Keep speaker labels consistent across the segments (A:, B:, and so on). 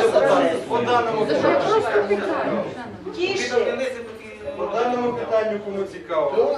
A: По даному питанню кому цікаво.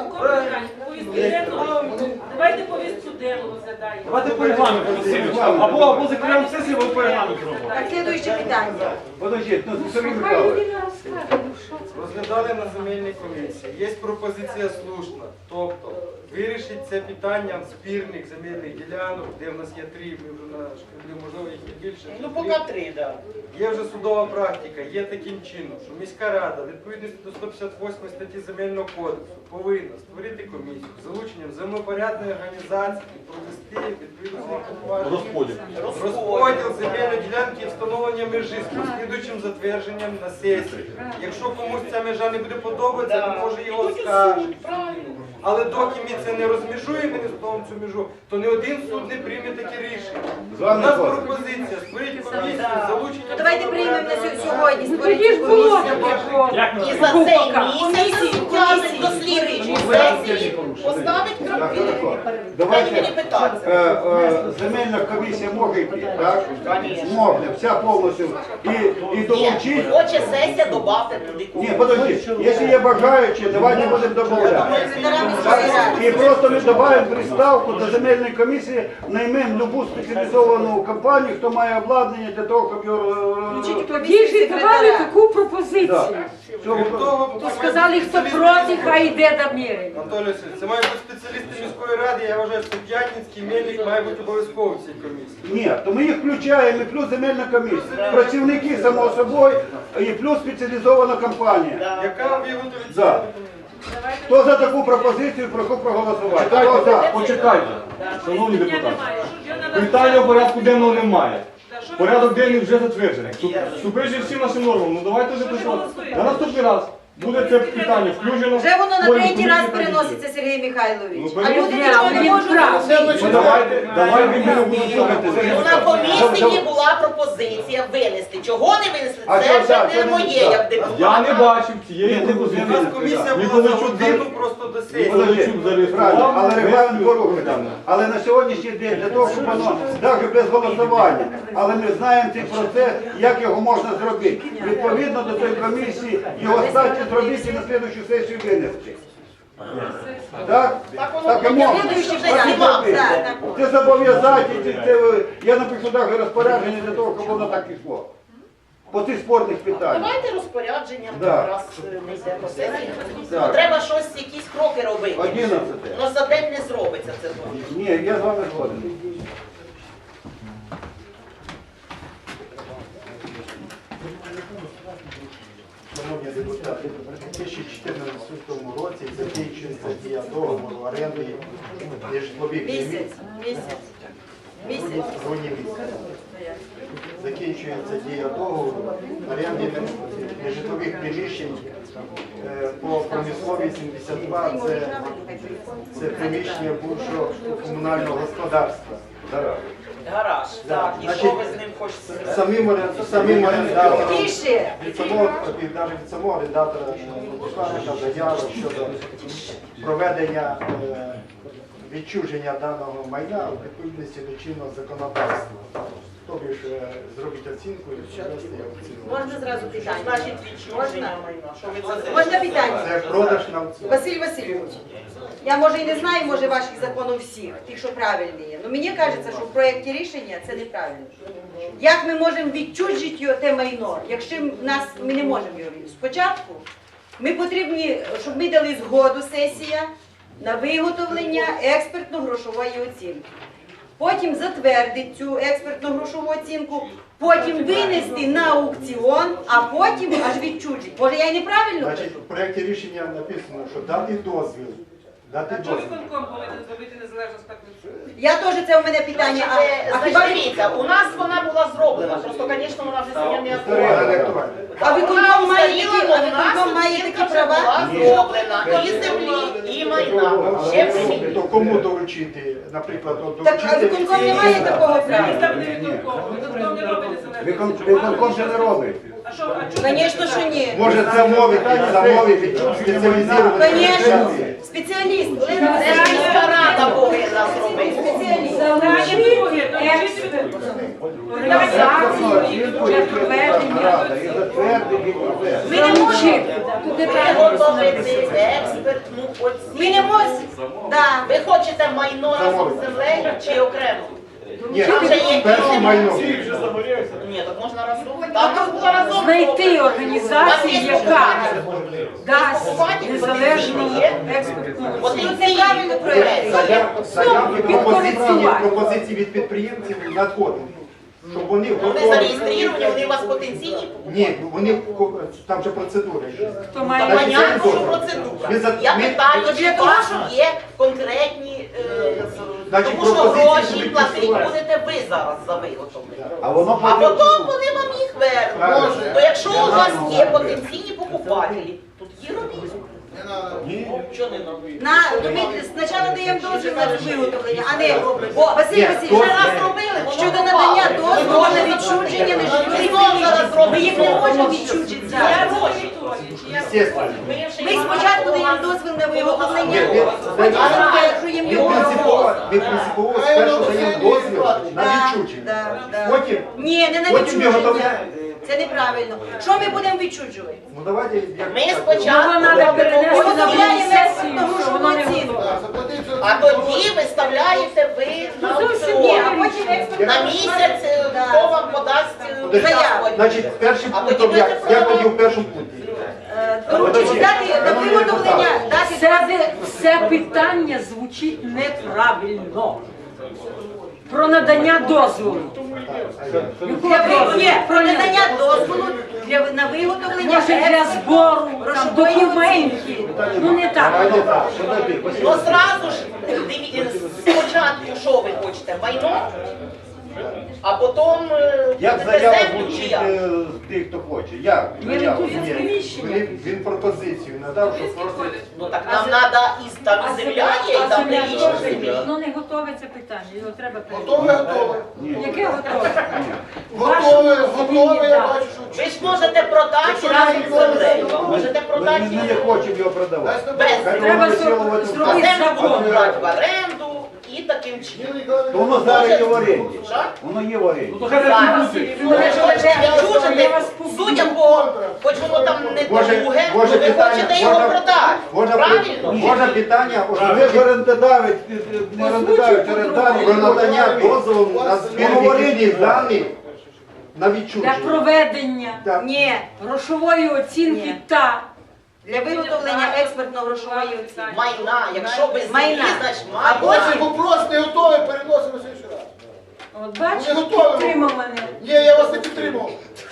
B: Давайте повістку денну розглядаємо.
C: Давайте по регламенту, Васильович. Або закриваємо сесію, або по регламенту робимо.
D: Так, слідуюче питання.
C: Подождіть, Сергій Михайлович.
A: Розглядали на земельній комісії. Є пропозиція слушна. Тобто вирішить це питання спірних земельних ділянок, де в нас є 3, ми вже на шкалі, можливо, їх і більше.
E: Ну, поки 3, так.
A: Є вже судова практика, є таким чином, що міська рада, відповідності до 158 статті Земельного кодексу, повинна створити комісію з залученням землепорядної організації і провести відповідно розподіл земельної ділянки і встановлення межі з послідуючим затвердженням на сесії. Якщо комусь ця межа не буде подобатися, він може його оскаржити. Але доки ми це не розмежуємо, не встановимо цю межу, то ні один суд не прийме таке рішення. У нас пропозиція створити комісію з залученням...
D: Давайте приймемо на сьогодні, створити комісію.
E: І за цей місяць вказать до слідчої сесії, поставить крапки.
F: Давайте, земельна комісія може йти, так? Може, вся повністю. І долучити.
E: Хоче сесія, добавте туди.
F: Ні, подождіть, якщо є бажаючі, давайте будемо додавати. І просто ми додаємо приставку до земельної комісії, наймемо любу спеціалізовану компанію, хто має обладнання для того, щоб його...
G: Діжі давали таку пропозицію.
A: То
G: Сказали, хто проти, хай йде до міри.
A: Анатолій Васильович, це мають бути спеціалісти міської ради, я вважаю, що П'ятницький, Мельник має бути обов'язково в цій комісії.
F: Ні, то ми їх включаємо, і плюс земельна комісія. Працівники, само собою, і плюс спеціалізована компанія.
A: Яка виготовить
F: За. Хто за таку пропозицію, прошу проголосувати. Хто за?
C: Почекайте, шановні депутати. Питання в порядку денного немає. Порядок денний вже затверджений. Суперечить всім нашим нормам. Ну давайте вже працювати. На наступний раз буде це питання включено.
D: Вже воно на
C: Створюємо
D: третій раз
C: комісію,
D: переноситься, Сергій Михайлович.
C: Ну,
D: А люди
G: Ні,
D: цього не
G: він
D: можуть
G: прав.
D: зрозуміти.
C: Ну, давайте він не буде слухати.
E: На комісії була пропозиція винести. Чого не винесли?
F: А
E: Це
F: що
E: вже
F: так?
E: не моє, як
C: Я
E: депутата.
C: не бачив цієї
A: У
C: пропозиції.
A: нас комісія була за годину просто до сесії.
C: Миколайчук
F: Правильно,
C: зареєстрував.
F: але регламент порушений. Але на сьогоднішній день, для того, щоб воно, навіть без голосування, але ми знаємо цей процес, як його можна зробити. Відповідно до цієї комісії, його статі зробити і на слідчу сесію винести. Так? Так і можна.
D: Слідуюче
F: Так і
D: питання.
F: зробити.
D: Так, так.
F: Це зобов'язати, я напишу навіть розпорядження для того, щоб воно так пішло. По цих спорних питаннях.
E: Давайте розпорядженням
F: Да.
E: якраз не йде по сесії.
F: Так.
E: Треба щось, якісь кроки робити.
F: 11.
E: Ну за день не зробиться це.
F: Ні, я з вами згоден.
H: Шановні депутати, у 2014 році закінчується дія договору оренди нежитлових
D: Місяць. Місяць.
H: грудні місяць. Закінчується дія договору оренди нежитлових приміщень по промисловій 72. Це приміщення бувшого комунального господарства.
E: Гараж. Так, і що ви з ним хочете?
H: Самим орендатором.
D: Тише.
H: Від самого редактора посланника заяви щодо проведення відчуження даного майна у відповідності до чинного законодавства. Тобі ж зробити оцінку і провести оцінку.
D: Можна зразу питання?
E: Значить, відчуження майна. Що ви за це?
D: Можна питання?
H: Це продаж на аукціон.
D: Василь Васильович, я може і не знаю, може ваших законів всіх, тих, що правильні є. Але мені кажеться, що в проєкті рішення це неправильно. Як ми можемо відчужити його те майно, якщо ми не можемо його відчужити? Спочатку ми потрібні, щоб ми дали згоду сесія на виготовлення експертно-грошової оцінки. Потім затвердити цю експертно-грошову оцінку, потім винести на аукціон, а потім аж відчужити. Може я і неправильно?
H: Значить, в проєкті рішення написано, що дати дозвіл. Дати
B: Чого
H: дозвіл.
B: виконком повинен зробити незалежну специфіку?
D: Я теж це у мене питання. А хіба
E: Значить, дивіться, у нас вона була зроблена, просто, звісно, вона вже сьогодні не
H: Історія
E: актуальна.
H: не актуальна.
D: А виконком має такі права?
E: Була зроблена і землі, і майна. Ще всі.
H: То кому доручити, наприклад,
D: Так, а
H: доручити
D: виконком не має такого права.
B: Там не виконком. Виконком не робить незалежну.
F: Виконком це не робить.
B: А що, а чого?
D: Звісно, що ні.
H: Може замовити спеціалізовані
D: Звісно, спеціаліст.
E: Це ж міська рада повинна зробити.
D: Спеціаліст.
G: Залучити експерт, організацію, бюджет Звучить. Тут неправильно
E: Виготовити експертну
D: Ми не
E: оцінку.
D: можемо. Да.
E: Ви хочете майно разом з землею чи окремо?
H: Ні,
E: Там же є
H: перше майно.
E: Ні, так можна разом. Там нас було разом.
G: знайти організацію, яка дасть незалежну експертну
E: От
G: оцінку.
E: і неправильно проєкт.
H: Пропозиції від підприємців надходять. Щоб вони
E: Вони
H: готові.
E: зареєстровані, вони у вас потенційні.
H: Ні, вони там же процедура.
G: Хто має
H: Так,
E: Понятно,
H: це
E: що
H: добре.
E: процедура.
H: Ми за-
E: Я
H: ми-
E: питаю,
D: Для
E: чи
D: того,
E: ваші є конкретні,
H: Значить,
E: тому що
H: пропозиції
E: гроші
H: будуть
E: платити
H: відсувати.
E: будете ви зараз за виготовлення.
F: А воно
E: А
F: потім-
E: потім вони вам їх вернуть.
H: Правильно.
E: То якщо у вас є потенційні покупателі, тут є робіть. Що не робити?
D: Ми спочатку даємо дозвіл на виготовлення, а не Василь
H: Ні,
D: Васильович,
E: Вже раз робили, воно
D: щодо
E: пропало.
D: надання
E: І
D: дозволу
E: гроші
D: на відчуження
E: заплатили.
D: нежитлових
E: І знову зараз
D: приміщень. Ми їх не
E: робимо.
D: можемо відчужити
E: Я
D: зараз.
E: гроші.
H: Естественно.
D: Ми спочатку даємо дозвіл на виготовлення,
H: Ні,
D: потім затверджуємо
H: Ми
D: його.
H: принципово спершу даємо дозвіл на
D: Да,
H: відчуження.
D: да, да.
H: Потім,
D: Ні, не на
H: потім
D: відчуження.
H: виготовляємо.
D: Це неправильно. Що ми будемо відчужувати?
H: Ну давайте, як
E: Ми
H: так.
E: спочатку
G: Його треба перенести на
D: Виготовляємо
G: сесію,
D: експертну
G: що
D: грошову
G: воно не
D: оцінку.
E: А тоді виставляєте ви на
D: Ні, а
E: аукціон.
D: потім експертну
E: На місяць хто вам подасть
H: Подожди, Значить, перший
E: А
H: пункт,
E: тоді
H: як
E: будете
H: тоді в першому пункті.
D: доручити дати на виготовлення, дати
G: Це питання звучить неправильно. Про надання дозволу.
D: Ні, про надання дозволу на виготовлення
G: Може для збору там, документів. Ну не так.
F: Давайте так, подожди, Василь
E: Ну
F: Васильович.
E: зразу ж дивіться, спочатку що ви хочете? Майно? А потім
F: Як
E: будете
F: заява
E: землю чи
F: звучить
E: як?
F: з тих, хто хоче? Як?
G: Ні,
F: Заява.
G: ну, тут є приміщення.
H: Він пропозицію надав, що просить.
E: Ну так нам треба і там і земля є, і там прилічна землі.
G: Ну не готове це питання, його треба
I: Готове, готове.
G: Яке готове?
I: Готове, готове, я бачу, що
E: Ви ж можете продати разом з землею. Можете продати
F: Ми не хочемо його продавати.
E: без
F: Хай
E: землі.
G: Треба
F: воно висіло в
E: А
F: цьому.
G: зробити
E: землю
G: закон.
E: будуть брати в оренду і таким чином.
F: То воно зараз є в оренді.
E: Що?
F: Воно є в оренді.
E: Зараз. Ну, якщо ви відчужите, судя по, хоч воно там не
H: Може,
E: друге,
H: може
E: то ви
H: питання,
E: хочете його продати.
H: Можна
E: Правильно?
H: питання,
F: Ви ж орендодавець, не орендодавець,
H: про
F: орендар.
H: надання дозволу на збір відповідних даних на
G: Для
H: відчуження.
G: проведення
H: Так.
D: Ні,
G: грошової оцінки
D: Ні.
G: та
D: для виготовлення експертно-грошової оцінки.
E: Майна. Якщо без землі,
D: Майна.
E: значить
D: А
E: майна.
I: Ось вопрос не готовий, переносимо на інший раз.
G: от бачите,
I: Ми готові.
G: підтримав мене.
I: Ні, я вас не підтримав.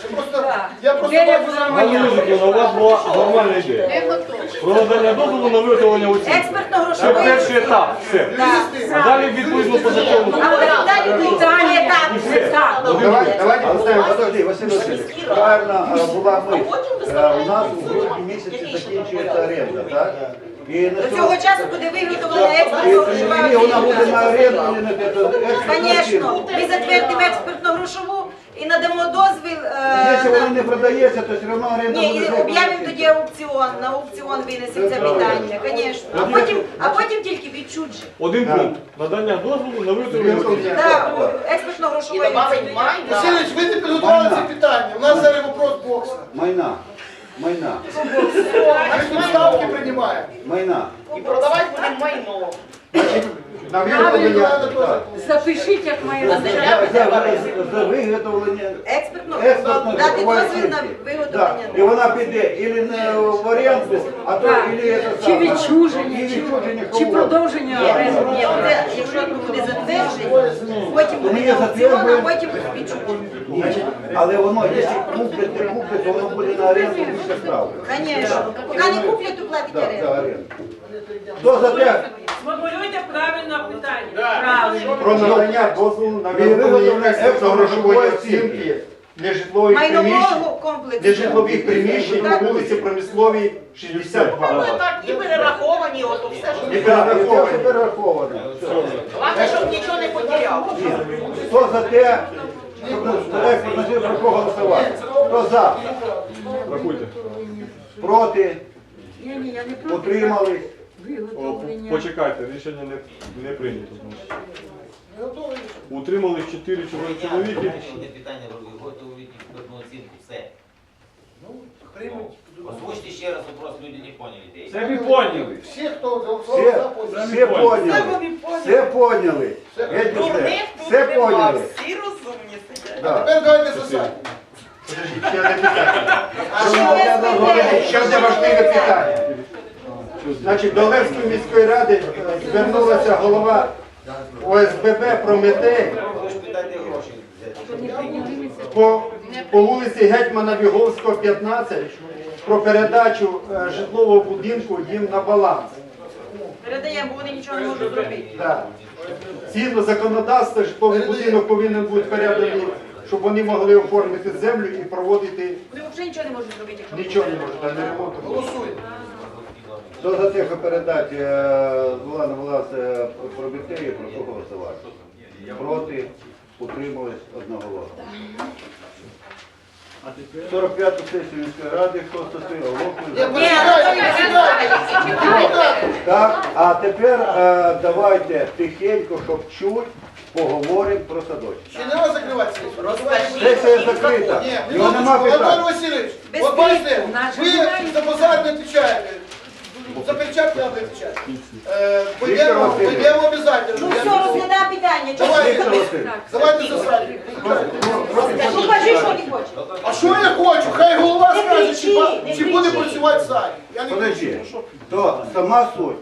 I: Я просто
G: Ідея
I: бачу,
G: була
I: що-
G: моя.
C: Галузиківна, у вас була нормальна ідея. Про надання дозволу на виготовлення оцінки. Це
D: Експертно-грошової
C: перший
D: оцінки.
C: етап, все. А далі відповідно по закону.
D: А далі
G: Питання
D: етап.
C: І все.
G: так.
H: Давайте
F: Але
H: поставимо.
F: подожди, Василь Васильович, правильно була ми. У нас у грудні місяці закінчується оренда, так? І на
D: До цього часу буде виготовлена
F: і
D: експертно-грошова
F: вона буде
D: оцінка.
F: на оренду, і на
D: Звісно, ми затвердимо експертно-грошову і надамо дозвіл.
F: Якщо вона не продається, то все одно оренда
D: Ні, і
F: буде.
D: об'явимо тоді аукціон, на аукціон винесемо це питання, звісно. А потім тільки відчуження.
C: Один пункт. Надання дозволу на виготовлення оцінки.
D: Так,
E: І
D: експертно-грошової
E: добавить
D: оцінки.
E: майна.
I: Васильович, ви не підготували це питання. У нас зараз вопрос бокса.
F: Майна. Майна.
I: Ми тут ставки приймаємо.
F: Майна.
E: І продавати будемо майно.
H: На виготовлення.
F: Так.
G: Запишіть, як має
E: На
G: бути.
F: За виготовлення
D: Експертно
F: експортно
D: дати дозвіл на
F: оцінки.
D: виготовлення.
F: І вона піде ілі не в оренду, а то
G: Так.
F: ілі це
G: Чи
F: саме.
G: відчуження,
F: Чи відчуження,
G: чи
F: кого?
G: продовження
D: Ні,
G: оренди.
D: ні, оце, якщо буде затвердження, потім
F: Ми
D: буде
F: її
D: аукціон, а
F: затверджуємо.
D: потім відчуження.
F: Ні. Але воно, якщо куплять, не куплять, то воно буде на оренду більше справи.
D: Звісно. Поки не куплять, то платить
F: Так, за
D: оренду.
F: оренду. Хто за те?
B: Сформулюйте правильно питання.
G: Правильно.
H: Про надання дозволу на виготовлення експертно-грошової оцінки нежитлових приміщень,
D: Майнового комплексу.
H: нежитлових приміщень на вулиці Промисловій 62.
E: Ну так, і перераховані, ото все, що
H: І
F: І
H: перераховані.
F: все перераховано.
E: Головне, щоб нічого не потеряли.
F: Хто за те, щоб експортно про кого голосувати? Хто за?
C: Рахуйте.
F: Проти?
G: Ні, я не проти.
F: Утримались?
C: О,
G: Виготовлення.
C: почекайте, рішення не прийнято. значить. Утримались 4 чоловіки.
J: Питання виготовлюють експертну оцінку. Все.
I: Приймуть.
J: Озвучте
C: Це ви поняли.
I: Всі, хто голосував за, поняли.
F: Все поняли. Все поняли. Геть усе. Все поняли.
E: Всі розумні сидять.
F: Да.
I: Тепер давайте за сайт.
H: Подождіть, ще одне питання. Ще одне важливе питання. Значить, до Олевської міської ради звернулася голова ОСББ Прометей по вулиці Гетьмана Віговського, 15, про передачу житлового будинку їм на баланс.
D: Передаємо, бо вони нічого не можуть зробити.
H: Так. Згідно законодавства, житловий будинок повинен бути переданий, щоб вони могли оформити землю і проводити
D: Вони взагалі нічого не можуть зробити, якщо
H: нічого не можуть, а не ремонт.
I: Голосуємо.
F: Хто за те, що передати була на влас Прометею, прошу голосувати. Проти, утримались одноголосно. 45-ту сесію міської ради, хто стосує
I: Ні,
F: оголошую.
I: почекайте.
F: Так, а тепер давайте тихенько, щоб чуть, поговоримо про садочок.
I: Ще не треба закривати сесію.
F: Сесія закрита.
I: Ні,
F: Його нема
I: Анатолій
F: питань.
I: Васильович, от бачите, ви за базар не відповідаєте. За перчатки треба відповідати. Вийдемо обов'язково.
D: Ну все, розглядай питання. Чого
I: Давай,
D: ти
F: Віктор
D: робиш?
F: Васильович.
I: Давайте за сайт.
D: Ну кажи, що ти хочеш.
I: А що я хочу? Хай голова
D: Не
I: скаже,
D: кричи,
I: чи
D: не
I: буде
D: кричи.
I: працювати сайт. Я не
F: Подожди,
I: кричу.
F: то сама суть.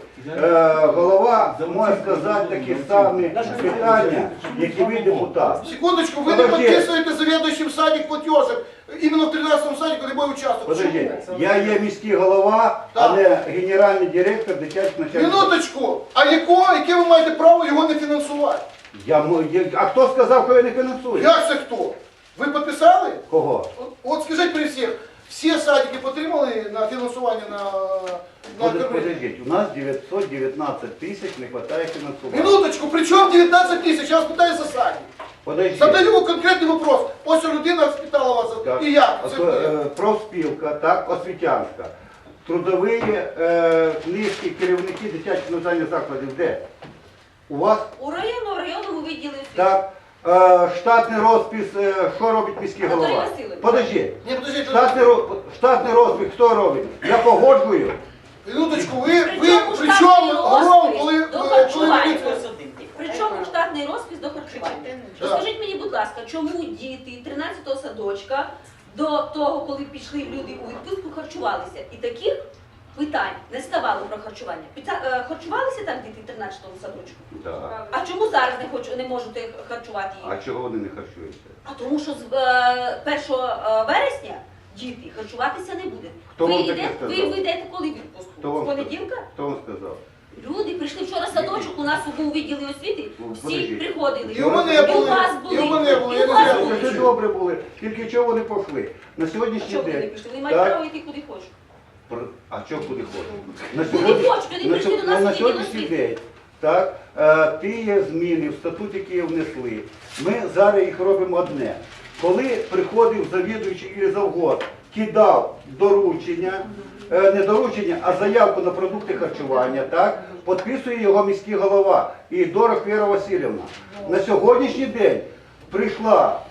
F: Голова може сказати такі самі питання, які ви депутат.
I: Секундочку, ви не
F: Подожди.
I: підписуєте завідуючим садик платежок. Іменно в 13-му садику не буде участвувати.
F: Подожди, я є міський голова, а
I: Так.
F: не генеральний директор дитячих начальників.
I: Минуточку, а яке ви маєте право його не фінансувати?
F: А хто сказав, що я не фінансую?
I: Як це хто? Ви підписали?
F: Кого?
I: От скажіть при всіх, всі садики отримали на фінансування на кормлення?
F: Подождіть, у нас 919 тисяч не вистачає фінансування.
I: Минуточку, при чому 19 тисяч? Я вас питаю за садик.
F: Подождіть.
I: Задаю конкретний вопрос. Ось людина спитала вас,
F: Так.
I: і як? Це
F: Профспілка, так, освітянська. Трудові книжки, керівники дитячих навчальних закладів де? У вас?
G: У районному відділі
F: Так. Штатний розпис, що робить міський
G: Анатолій
F: голова?
G: Васильович.
F: Подожди.
I: Ні, подождіть,
F: Штатний розпис хто робить? Я погоджую.
I: минуточку, ви
G: Причому
I: при
G: штатний
I: чому гром,
G: розпис
I: коли
G: до
I: ви
G: харчування?
I: робите?
G: Причому штатний розпис до харчування. Розкажіть мені, будь ласка, чому діти 13-го садочка до того, коли пішли люди у відпустку, харчувалися? І таких питань не ставало про харчування. Харчувалися там діти 13-го садочку?
F: Так.
G: А чому зараз не можете харчувати їх?
F: А чого вони не харчуються?
G: А тому що з 1 вересня діти харчуватися не будуть.
F: Хто
G: Ви
F: вам таке
G: йдете,
F: сказав?
G: ви йдете коли в відпустку?
F: Хто вам
G: З понеділка?
F: Хто вам сказав?
G: Люди прийшли вчора в садочок, у нас був відділі освіти, всі
F: Подождіть.
G: приходили.
I: І у мене
G: І у
I: були,
G: вас були.
I: і у мене були,
G: І
I: я
G: у
I: не
G: вас
I: знаю.
G: були.
F: Це добре були. Тільки чого вони пішли? На сьогоднішній
G: Чого вони
F: день.
G: пішли? Вони мають
F: Так.
G: право йти куди хочуть.
F: А чого куди хочуть? На
G: Куди хочуть, вони прийшли до нас
F: на
G: в відділ
F: сьогоднішній
G: освіти.
F: день. Так, ті є зміни в статут, які внесли. Ми зараз їх робимо одне. Коли приходив завідуючий і завгод, кидав доручення, не доручення, а заявку на продукти харчування, так, підписує його міський голова і Дорох Віра Васильівна. На сьогоднішній день прийшла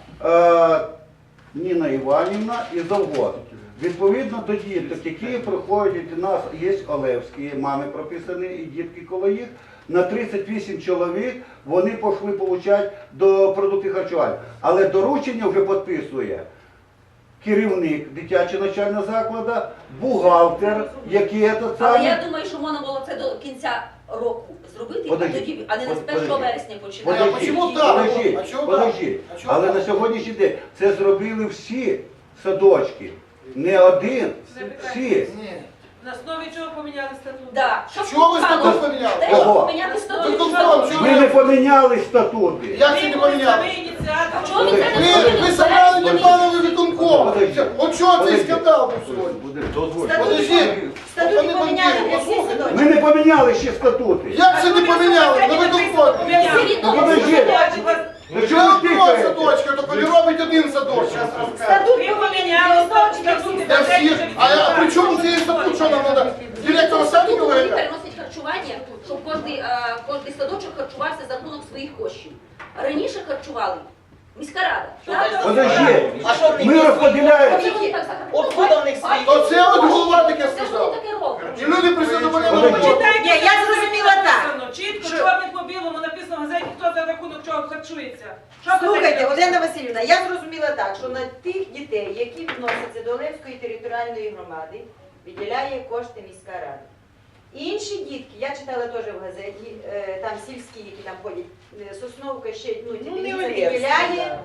F: Ніна Іванівна і завгод. Відповідно до діток, які приходять у нас, є Олевські, мами прописані і дітки коло їх, на 38 чоловік вони пішли отримати до продуктів харчування. Але доручення вже підписує керівник дитячого навчального закладу, бухгалтер, який це
G: Але
F: саме.
G: я думаю, що можна було це до кінця року зробити,
F: Подожди,
G: а не з 1
F: подожди.
G: вересня починати.
I: Подожди.
G: А
I: чому
G: чому
I: так?
F: Подожди,
I: А чого
F: подожди.
I: так? А чого
F: Але
I: так?
F: на сьогоднішній день це зробили всі садочки. Не один, всі.
I: Ні.
B: На основі чого поміняли статут?
G: Да. Щоб
I: Чого ви
G: стало-
I: статут поміняли?
G: Те, щоб
F: Кого?
G: поміняти статут.
I: Виконком, чого?
F: Ми не поміняли статути.
I: Як це не
B: Ви були
I: поміняли?
B: самі ініціатор.
G: Чого ви це не
I: Ви
G: зробили?
I: забрали
G: Зараз
I: Непанові виконком.
F: Подожди.
I: От чого цей
F: Подожди.
I: скандал був сьогодні?
F: Дозвольте.
I: Подожди.
D: Статути
I: Пане
D: поміняли
I: Бандєров,
D: для всіх
I: послухайте.
D: садочків.
F: Ми не поміняли ще статути.
I: Як це не поміняли? На виконкомі.
F: Ну, подожди. Ну,
I: Вже
F: чого ви
I: одного
F: тикаєте?
I: садочка, то не робить один садочок.
D: Статут
B: Ви
D: поміняли
B: поміняли
D: статут.
I: Для всіх. А при чому цей статут, що нам треба? Директора садика
G: Вони
I: говорить?
G: переносять харчування, щоб кожний садочок харчувався за рахунок своїх коштів. Раніше харчували міська рада.
F: Подожди.
E: А що в них
F: Ми
E: є
F: розподіляємо.
G: Чому вони так захарчували?
E: Откуда в них свої?
I: То це от голова таке
G: Це ж вони
I: сказав.
G: таке роблять.
I: І ми
C: подожди.
B: Почитайте,
D: Ні, я зрозуміла так.
B: написано, чітко,
D: Що?
B: чорним по білому написано в газеті, хто за рахунок чого харчується. Що ви
D: Слухайте,
B: таке?
D: Олена Васильівна, я зрозуміла так, що на тих дітей, які відносяться до Олевської територіальної громади, виділяє кошти міська рада. Інші дітки, я читала теж в газеті, там сільські, які там ходять, Сосновка ще, ну,
E: не
D: це
E: Олевські,
D: виділяє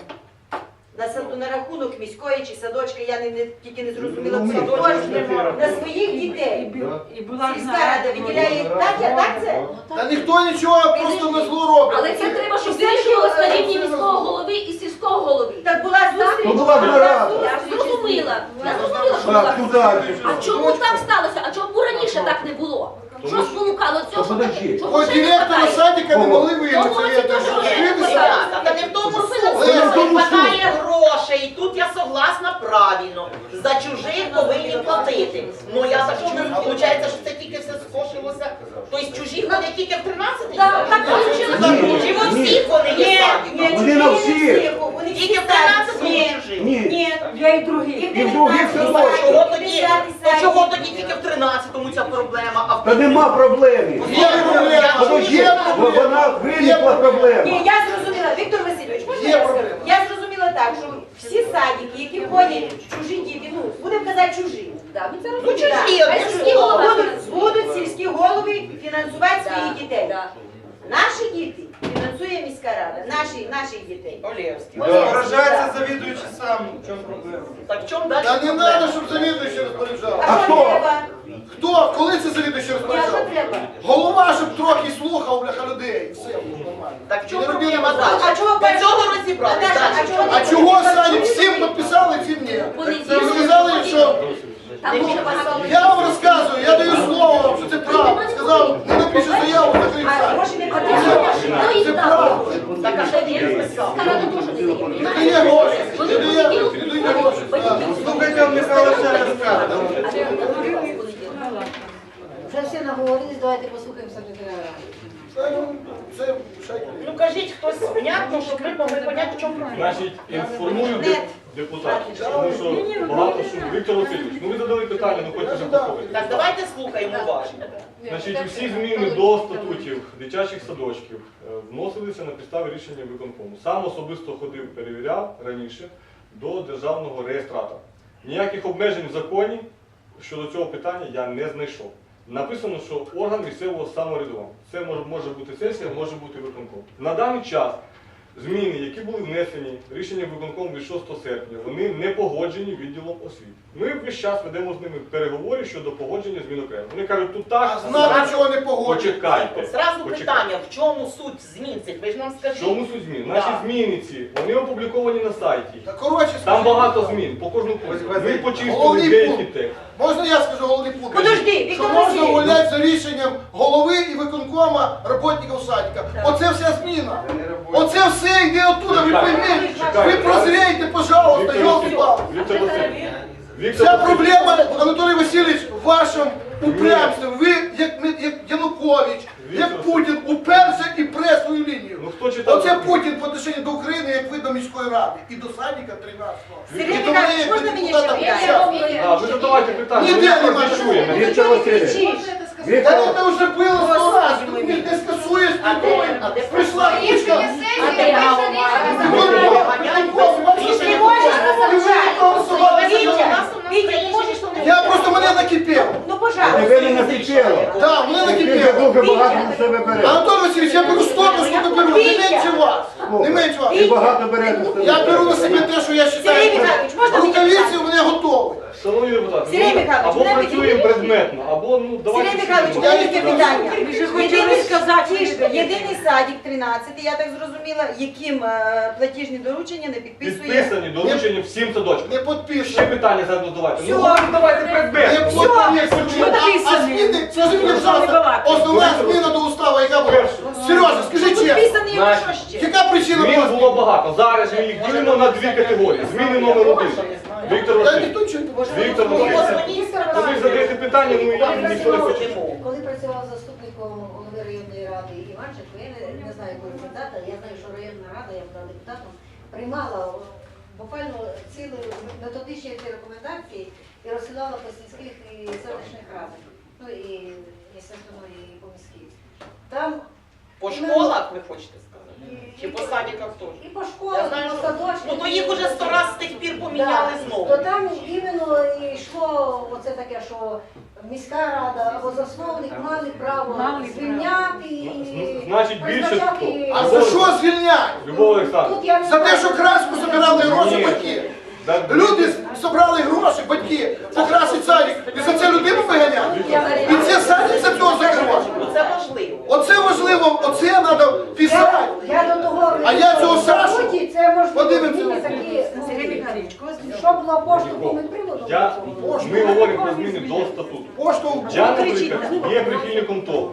D: на рахунок міської чи садочка, я тільки не зрозуміла,
F: Ну,
D: це
F: ми
D: кошти на своїх дітей. Сільська рада виділяє, так це?
I: Та ніхто нічого просто на зло робить.
G: Але це треба, щоб вирішувалося на рівні міського голови і сільського голови.
D: Так була зустріч.
F: Ну, була нарада.
G: Я зрозуміла, що
F: Так,
G: була.
F: туди.
G: А чому так сталося? А чому раніше так не було? Що спонукало цього?
F: Та подожди.
G: Чому
I: Хоч
G: ще не
I: директора
G: хватає?
I: садика не могли вийти.
G: Тому
I: Це
G: це
I: я
G: теж
I: теж
G: є.
E: Ребята, та не в тому суть.
F: Це не в тому суть.
E: Хватає грошей, і тут я согласна правильно. За чужих повинні платити. Ну я так чую, виходить, що це тільки все скошилося. Тобто чужі ходять тільки в 13-й?
G: Так, так вийшло.
E: Чи во всіх вони є садиком?
F: Вони на всіх.
E: Тільки в 13-му чужі?
F: Ні.
D: Ні, я і других.
F: І в других все
E: А
F: точно.
E: чого тоді? То чого тоді тільки в 13-му ця проблема? А в
F: Та нема проблеми.
I: Є проблема.
F: Подожди,
I: Є проблема.
F: вона виникла проблема.
D: Ні, я зрозуміла, Віктор Васильович, можна
I: Є
D: я скажу?
I: проблема.
D: Я зрозуміла так, що всі садики, які ходять, чужі діти, ну, будемо казати чужі.
G: Да, ми це
E: Ну
G: розуміємо.
E: чужі,
G: Так.
E: одне
G: Хай сільські
E: слово.
G: голови
D: Будуть сільські голови фінансувати своїх
G: Да,
D: дітей.
G: да.
D: Наші діти фінансує міська рада, наших дітей.
E: Олєвський.
A: Вражається завідуючий сам. В чому проблема?
E: Так в чому далі?
I: Та не треба, щоб завідуючий розпоряджав.
D: А що
F: хто?
D: треба?
I: Хто? Коли це завідуючий
D: Ні, а що
I: розпоряджав?
D: треба?
I: Голова, щоб трохи слухав, бляха, людей. Все було нормально.
E: Так в чому
I: Не робили
E: проблема
I: базар.
E: далі?
D: А чого
E: До цього
D: перше?
E: розібрали.
D: Наташа, а чого
I: А
D: не
I: чого
D: розпоряджав?
I: Сані всім підписали, всім ні?
G: Вони
I: Ви сказали, що
G: Там дуже багато.
I: я вам розказую, я даю слово вам, що це правда. Сказав, не напише заяву, закрив
D: А
I: сайт.
D: гроші не
G: Хто
D: потрібно.
G: їх
I: Це
G: дав?
I: правда.
E: Так, а що він писав?
G: Караду теж не дає,
I: Не
G: понімаєш?
I: дає гроші,
G: Вони
I: не дає,
G: понеділок
I: не дає гроші. Так.
A: Слухайте, Михайло ще раз каже.
G: А де понеділок?
J: Вже всі наговорились, давайте послухаємо секретаря ради.
I: Це шайка.
E: Ну кажіть хтось понятно, щоб ми могли поняти, в чому проблема.
C: Значить, інформую депутатів, тому що багато що. Віктор Васильович, ну ви задали питання, ну хочете вже послухати.
E: Так, давайте слухаємо уважно.
C: Значить, усі зміни до статутів дитячих садочків вносилися на підставі рішення виконкому. Сам особисто ходив, перевіряв раніше до державного реєстратора. Ніяких обмежень в законі щодо цього питання я не знайшов. Написано, що орган місцевого самоврядування. Це може бути сесія, може бути виконком. На даний час зміни, які були внесені рішенням виконкому від 6 серпня, вони не погоджені відділом освіти. Ми весь час ведемо з ними переговори щодо погодження змін окремо. Вони кажуть, тут так,
I: А знати, чого не погоджує.
C: почекайте.
E: Зразу
C: Почекайте.
E: питання, в чому суть змін цих? Ви ж нам
C: В
E: скажіть.
C: чому суть змін? Наші зміни ці, вони опубліковані на сайті.
I: Та коротше,
C: Там
I: скажіть.
C: багато змін, по кожному пункту. Ми почистили
I: Головний
C: деякі
I: пункт.
C: тексти.
I: Можна я скажу головний пункт?
D: Подожди,
I: Що
D: Віктор
I: можна
D: Васильович.
I: увольняти за рішенням голови і виконкома роботників садика. Оце вся зміна. Оце все йде оттуда, ви пойміть. Ви прозрійте, пожалуйста,
C: Віктор
I: йолки-палки.
C: Васильович.
I: Вся проблема, Анатолій Васильович, в вашому упрямстві. Ви, як Янукович, як Путін, уперся і пре свою лінію.
C: Ну хто читав?
I: Оце Путін по отношенню до України, як ви до міської ради. І до садика 13-го.
D: Сергій
I: І до
D: Михайлович,
I: мене, як
D: можна
I: до
D: мені
I: депутата
D: ще
I: Кучера.
C: А, ви задавайте питання,
I: Ніде
C: ми
I: нема.
C: не чуємо.
F: Віктор Васильович.
I: Та
F: Віктор,
I: це вже було 100 разів, тут не скасуєш, прийшла книжка.
D: Ти можеш розмовляти. Вітя, ти можеш
I: Я просто мене накипіло.
D: Ну, пожалуйста.
F: тебе не накипіло.
I: Так, мене
F: Ти вже
I: накипіло.
F: дуже багато на себе береш.
I: Анатолій Васильович, я беру столько, сколько беру, не менше вас. Не менше вас.
F: Ти багато береш на себе.
I: Я беру на себе те, що я
D: Сергій
I: вважаю.
D: Михайлович, можна мені
I: Рукавиці
D: питання?
I: у мене готові.
C: Шановні депутати,
D: Сергій
C: ну,
D: Михайлович,
C: або
D: мене
C: працюємо
D: підтримуєте?
C: предметно, або ну давайте.
D: Сергій Михайлович,
C: всі
D: маленьке
C: будемо.
D: питання.
B: Ви вже хотіли сказати, що ви
D: Єдиний садик 13, я так зрозуміла, яким платіжні доручення не підписує.
C: Підписані доручення всім садочкам.
I: Не
C: Ще
I: підписано.
C: питання зараз давайте.
D: Всьо.
C: Ну давайте
I: Не
C: предметно.
I: підписано. А зміни, скажи мені, пожалуйста, основна зміна до уставу, яка була? Сережа, скажи чесно.
D: Підписаний його що ще?
I: Яка причина
C: Змін
I: була?
C: було багато. Зараз ми їх ділимо на дві категорії. Зміни номер 1. Віктор
I: Я
C: Васильович.
I: ніхто нічого не бачив.
C: Віктор Васильович. Ну ви задаєте питання, ну я ніхто не хоче.
J: Коли працював заступником голови районної ради Іванченко, я не знаю, якого депутата, я знаю, що районна рада, я була депутатом, приймала буквально цілі методичні ці рекомендації і розсилала по сільських і селищних радах. Ну і естественно, і по міській. Там
E: По школах, ви хочете сказати? Чи по садиках теж?
J: і по
E: Я
J: школах,
E: знаю,
J: і по
E: що...
J: садочках.
E: Ну то їх уже 100 раз з тих пір поміняли знову.
J: То там іменно і йшло оце таке, що міська рада або засновник мали право звільняти і
C: Значить, більше
J: призначати.
C: хто?
I: А за що звільняти?
C: Любов Олександровна.
J: Тут я не
I: За те,
J: знаю.
I: що краску забирали гроші
C: Ні.
I: батьки. Люди зібрали гроші, батьки, покрасить садик. І за це людину виганяти. І це садик за цього закривати.
E: Ну це важливо.
I: Оце важливо, оце треба писати.
J: Я до того,
I: А я цього Сашу?
J: це можливо
I: Подивимося.
J: зміни такі, що було поштовхом і приводом.
C: Ми говоримо про зміни до статуту.
I: Пошту.
C: Я, наприклад, є прихильником того,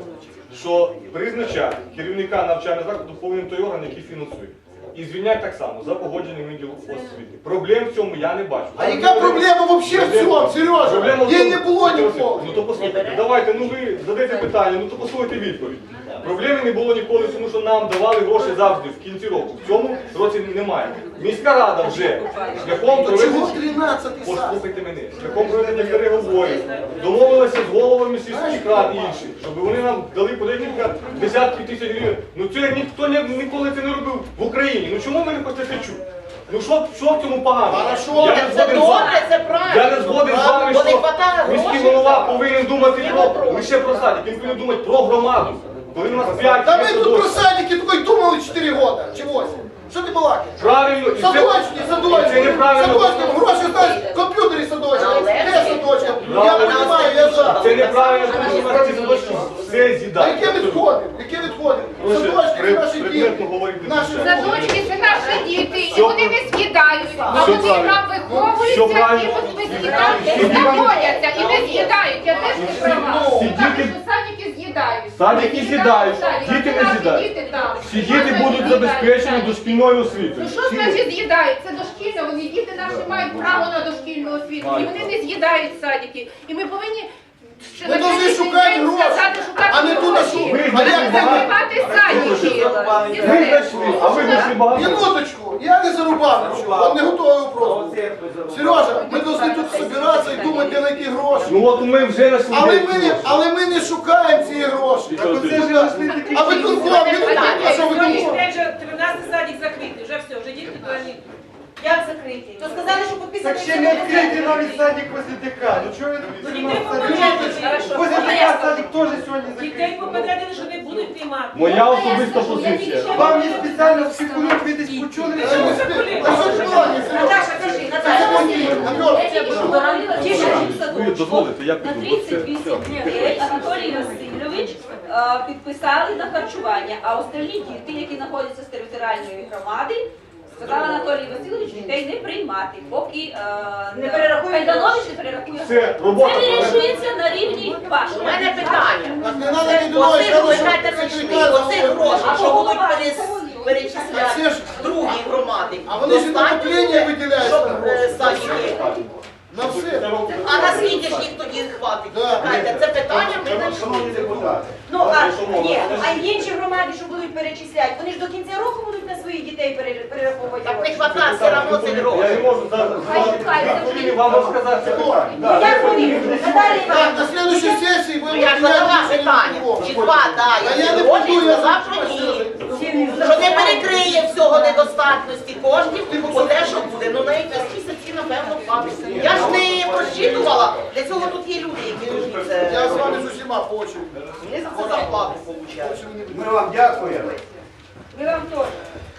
C: що призначати керівника навчального закладу повинен той орган, який фінансує. І звільняти так само за погодженим відділом освіти. Проблем в цьому я не бачу.
I: А яка проблема взагалі в цьому, Сережа?
C: Проблема в
I: Її
C: тому-
I: не було ніколи.
C: Ну то послухайте, давайте, ну ви задаєте питання, ну то послухайте відповідь. Проблеми не було ніколи, тому що нам давали гроші завжди в кінці року. В цьому році немає. Міська рада вже шляхом
I: То чого
C: проведення,
I: 13-й сад?
C: послухайте мене, шляхом проведення переговорів, домовилися з головами сільських рад і інших, щоб вони нам дали по декілька десятків тисяч гривень. Ну це ніхто ніколи це не робив в Україні. Ну чому ми не хочете чути? Ну що в цьому погано?
I: Хорошо,
C: Я не
E: Це
C: згоден з вами.
E: добре, це правильно.
C: Я не згоден з вами,
E: Бо не
C: що
E: хватає
C: міський
E: грошей.
C: голова повинен думати
E: Не
C: про
E: вопрос.
C: лише про садик, він повинен думати про громаду. Коли у нас 5
I: Та ми тут про садики тільки думали 4 роки, чи 8. Що ти балакаєш?
C: Правильно, і
I: Садочки,
C: це
I: садочки,
C: неправильно.
I: садочки, гроші знаєш, комп'ютері садочки, де садочки? Я
C: Правильно.
I: розумію, я за.
C: Це неправильно, тому що у нас ці садочки все
I: А
C: з'їдають.
I: яке відходить? Яке відходить? Садочки це наші діти.
C: Предметно говорити.
I: Наші
K: Садочки це наші діти, і
C: Все
K: вони не з'їдають. А
C: Все
K: вони
C: правильно.
K: там
C: Все
K: виховуються
C: правильно.
K: і без з'їдають, знаходяться і не з'їдають. Я теж не права.
C: Всі
K: Кажуть,
C: діти-
K: що садики з'їдають.
C: Садики з'їдають, діти не
K: Наші
C: з'їдають.
K: діти там.
C: Всі діти будуть забезпечені дошкільною освітою.
K: Ну що значить з'їдають? Це дошкільне, вони діти наші мають право на дошкільну освіту. І вони не з'їдають садики. І ми повинні ще
I: Ми
K: на
I: повинні
K: сьогоднішній
I: шукати
K: день
I: гроші,
K: сказати, шукати
I: а не тут
K: гроші.
I: шукати.
C: Ви
I: А як
C: знайшли
I: це
C: багато.
K: Знімати садики.
C: Ви знайшли, а ви знайшли багато.
I: Минуточку, я не зарубав нічого, он не готовий вопрос. Сережа, ми повинні тут збиратися і думати, де знайти гроші.
C: Ну от ми вже знайшли.
I: Але ми не шукаємо ці гроші.
A: Так оце ж знайшли такі
I: А ви конкурент, а що ви
B: Сьогоднішній
I: думаєте?
B: день вже 13 садик закритий, вже все, вже дітки туди не...
D: Як закриті? То сказали, що підписали.
A: Так ще не відкритий навіть садик возле ДК. Ну чого ви
B: Ну
A: тут
B: дітей
A: садик?
B: попередили,
A: Возле ДК садик теж сьогодні
B: дітей
A: закритий.
B: попередили, що не будуть приймати.
C: Моя особиста позиція.
A: Вам не спеціально спекулюють, ви десь почули?
I: А що ж плані, Сережа?
D: Наташа, кажи,
I: Це
D: Наташа.
I: мої, Альона.
G: Я тільки що говорила, що в
C: Ви
G: садочку
C: дозволите, я
G: на
C: піду.
G: 38 дітей Анатолій Васильович підписали на харчування, а остальні діти, які знаходяться з територіальної громади, сказав Анатолій Васильович, дітей не приймати, поки
D: Не перерахує
G: Кайданович не перерахує.
C: Це робота.
G: Це вирішується на рівні
E: У
G: вашого.
E: мене питання.
I: Так не треба не думати,
E: Оцих,
I: що
E: ви
I: це
E: знаєте, знайшли, оцих грошей, що будуть перечисляти другі громади.
I: А вони ж на
E: Достатньо
I: отоплення
E: буде,
I: виділяють.
E: щоб садики.
I: На все.
E: А наскільки ж їх тоді хватить?
I: Да.
E: Чекайте, це питання ми знайшли.
F: Шановні депутати,
D: Ну, а інші громади, що будуть перечисляти, вони ж до кінця року будуть на своїх дітей перераховувати.
E: Так не
D: гроші.
E: хватає все одно цих
C: Я не
E: грошей.
C: можу зараз вам розказати це питання.
D: Ну, як вони? Наталія
I: Так,
D: Іванівна,
I: на следующей сесії
E: Ну
I: будемо
E: я ж задала питання, чи хватає
I: Та я не
E: грошей,
I: буду, я
E: сказав, що ні. Що не перекриє всього недостатності коштів, бо те, що буде, ну на якісь місяці, напевно, хватить. Я ж не просчитувала, для цього тут є люди, які можуть
I: Я з
E: це...
I: вами з усіма по очереді.
E: Вони за це зарплату получають.
F: ми вам дякуємо.
D: ми вам теж.